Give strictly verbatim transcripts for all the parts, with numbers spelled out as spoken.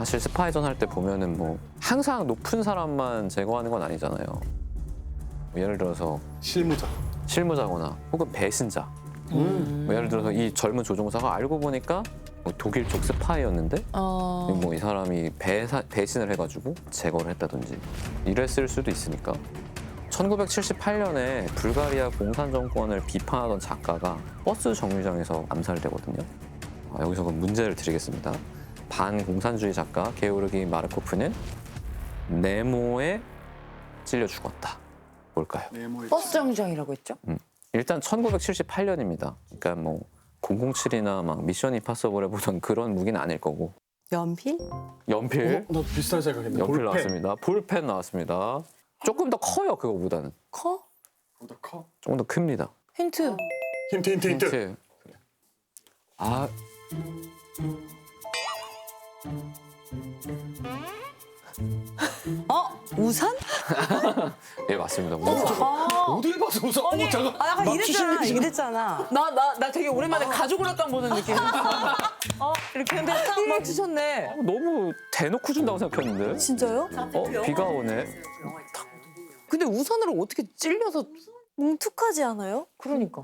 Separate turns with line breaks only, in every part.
사실 스파이전 할 때 보면은 뭐 항상 높은 사람만 제거하는 건 아니잖아요. 뭐 예를 들어서
실무자.
실무자거나 혹은 배신자.
음.
뭐 예를 들어서 이 젊은 조종사가 알고 보니까 뭐 독일 쪽 스파이였는데
어.
뭐 이 사람이 배사, 배신을 해가지고 제거를 했다든지 이랬을 수도 있으니까. 천구백칠십팔 년에 불가리아 공산 정권을 비판하던 작가가 버스 정류장에서 암살되거든요. 아, 여기서 그럼 문제를 드리겠습니다. 반공산주의 작가 게오르기 마르코프는 네모에 찔려 죽었다. 뭘까요?
네모의
버스 정류장이라고 했죠?
일단 천구백칠십팔 년입니다. 그러니까 뭐 공공칠이나 막 미션 임파서블에 보던 그런 무기는 아닐 거고.
연필?
연필,
어, 나 비슷하게 생각했네.
연필
볼펜.
나왔습니다. 볼펜 나왔습니다. 조금 더 커요, 그거보다는.
커?
보다 커.
조금 더 큽니다.
힌트.
힌트 힌트 힌트.
힌트. 아,
어? 우산?
예 맞습니다. 우산.
어딜 봐서 웃어? 어, 잠깐.
아, 약간
막
이랬잖아.
추신력이 지금-
이랬잖아.
나, 나, 나 되게 오랜만에 가족오락관 보는 느낌. 어, 이렇게 했는데 딱 맞추셨네.
너무 대놓고 준다고 생각했는데.
진짜요?
어, 비가 오네.
근데 우산으로 어떻게 찔려서.
뭉툭하지 않아요?
그러니까.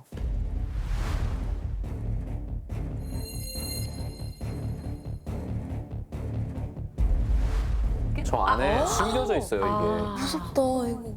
저 안에 숨겨져 있어요, 이게.
무섭다, 이거.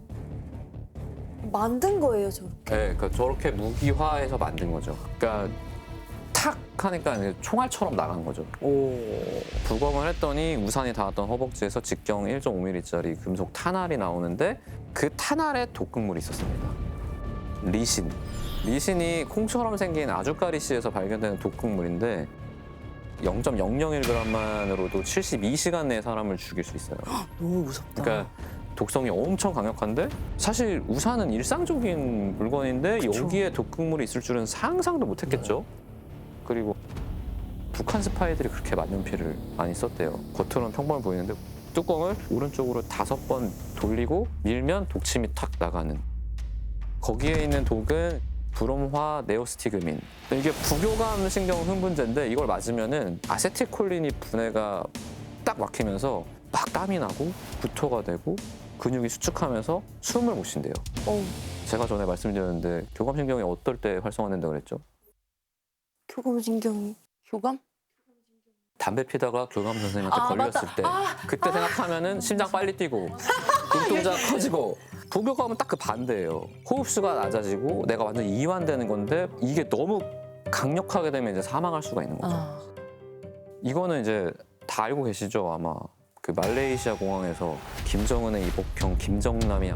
만든 거예요, 저렇게.
네, 그러니까 저렇게 무기화해서 만든 거죠. 그러니까 탁 하니까 이제 총알처럼 나간 거죠. 오. 부검을 했더니 우산이 닿았던 허벅지에서 직경 일 점 오 밀리미터짜리 금속 탄알이 나오는데 그 탄알에 독극물이 있었습니다. 리신. 리신이 콩처럼 생긴 아주까리씨에서 발견되는 독극물인데 영 점 영영일 그램만으로도 칠십이 시간 내에 사람을 죽일 수 있어요.
너무 무섭다.
그러니까 독성이 엄청 강력한데 사실 우산은 일상적인 물건인데
그쵸.
여기에 독극물이 있을 줄은 상상도 못했겠죠. 그리고 북한 스파이들이 그렇게 만년필을 많이 썼대요. 겉으로는 평범해 보이는데 뚜껑을 오른쪽으로 다섯 번 돌리고 밀면 독침이 탁 나가는. 거기에 있는 독은 브롬화 네오스티그민. 이게 부교감 신경 흥분제인데 이걸 맞으면은 아세틸콜린이 분해가 딱 막히면서 막 땀이 나고 구토가 되고 근육이 수축하면서 숨을 못 쉰대요.
어,
제가 전에 말씀드렸는데 교감신경이 어떨 때 활성화된다고 그랬죠?
교감신경이.
교감?
담배 피다가 교감 선생님한테
아,
걸렸을
맞다.
때 그때 생각하면은 심장 빨리 뛰고 눈동자 커지고 부교감은 딱 그 반대예요. 호흡수가 낮아지고 내가 완전 이완되는 건데 이게 너무 강력하게 되면 이제 사망할 수가 있는 거죠.
아.
이거는 이제 다 알고 계시죠? 아마 그 말레이시아 공항에서 김정은의 이복형 김정남이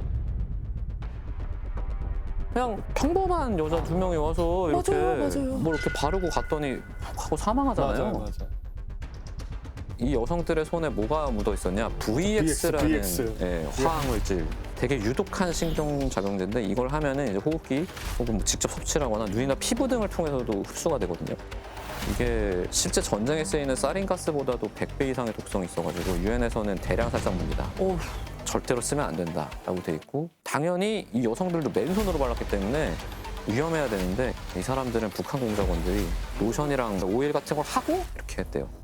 그냥 평범한 여자 두 명이 와서 이렇게
맞아요, 맞아요.
뭐 이렇게 바르고 갔더니 하고 사망하잖아요.
맞아요, 맞아.
이 여성들의 손에 뭐가 묻어 있었냐? 브이엑스라는
브이엑스.
예, 화학물질. 되게 유독한 신경작용제인데 이걸 하면은 이제 호흡기 혹은 뭐 직접 섭취하거나 눈이나 피부 등을 통해서도 흡수가 되거든요. 이게 실제 전쟁에 쓰이는 사린가스보다도 백 배 이상의 독성이 있어가지고 유엔에서는 대량 살상무기다.
오.
절대로 쓰면 안 된다라고 돼 있고 당연히 이 여성들도 맨손으로 발랐기 때문에 위험해야 되는데 이 사람들은 북한 공작원들이 로션이랑 오일 같은 걸 하고 이렇게 했대요.